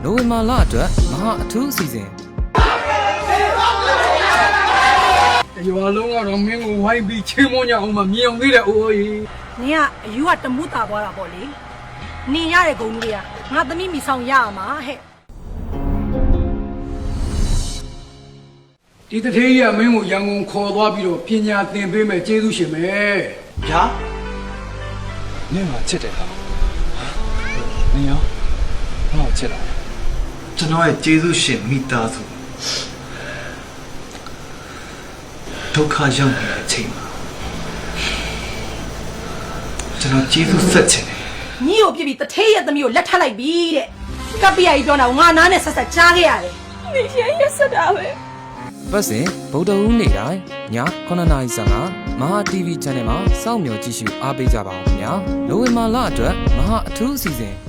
နိုဝင်ဘာလအတွက်မဟာအထူးအစီအစဉ်ရွာလုံးကတော့မင်းကိုဝိုင်းပြီးချင်းမွန်ကြအောင်မမြင်အောင်သေးတယ်အိုးကြီးနင်ကအယူကတမှုတာသွားတာပေါ့လေနင်ရတဲ့ဂုံကြီးကငါသမီးမိဆောင်ရမှာဟဲ့ဒီတထေးကြီးကမင်းကိုရန်ကုန်ခေါ်သွားပြီးတော့ပညာသင်ပေးမယ်ကျေးဇူးရှင်ပဲဗျာနင်ကချစ်တယ်ဟာနင်ရောငါ့ကိုချစ်လားကျွန်တော်ရဲ့ကျေးဇူးရှင်မိသားစုဒုက္ခရောက်နေတဲ့အချိန်မှာကျွန်တော်ကျေးဇူးဆက်ချင်တယ်ညီကိုပြစ်ပြီးတထေးရဲ့သမီးကိုလက်ထပ်လိုက်ပြီတဲ့ကပ္ပိယကြီးပြောတာငါနားနဲ့ဆက်ဆက်ကြားခဲ့ရတယ်နေရက်ဆက်တာပဲပတ်စဉ်ဗုဒ္ဓဟူးနေ့တိုင်းည9:55မဟာ TV Channel မှာစောင့်မျှော်ကြည့်ရှုအားပေးကြပါဦးခင်ဗျာနိုဝင်ဘာလအတွက်မဟာအထူးအစီအစဉ်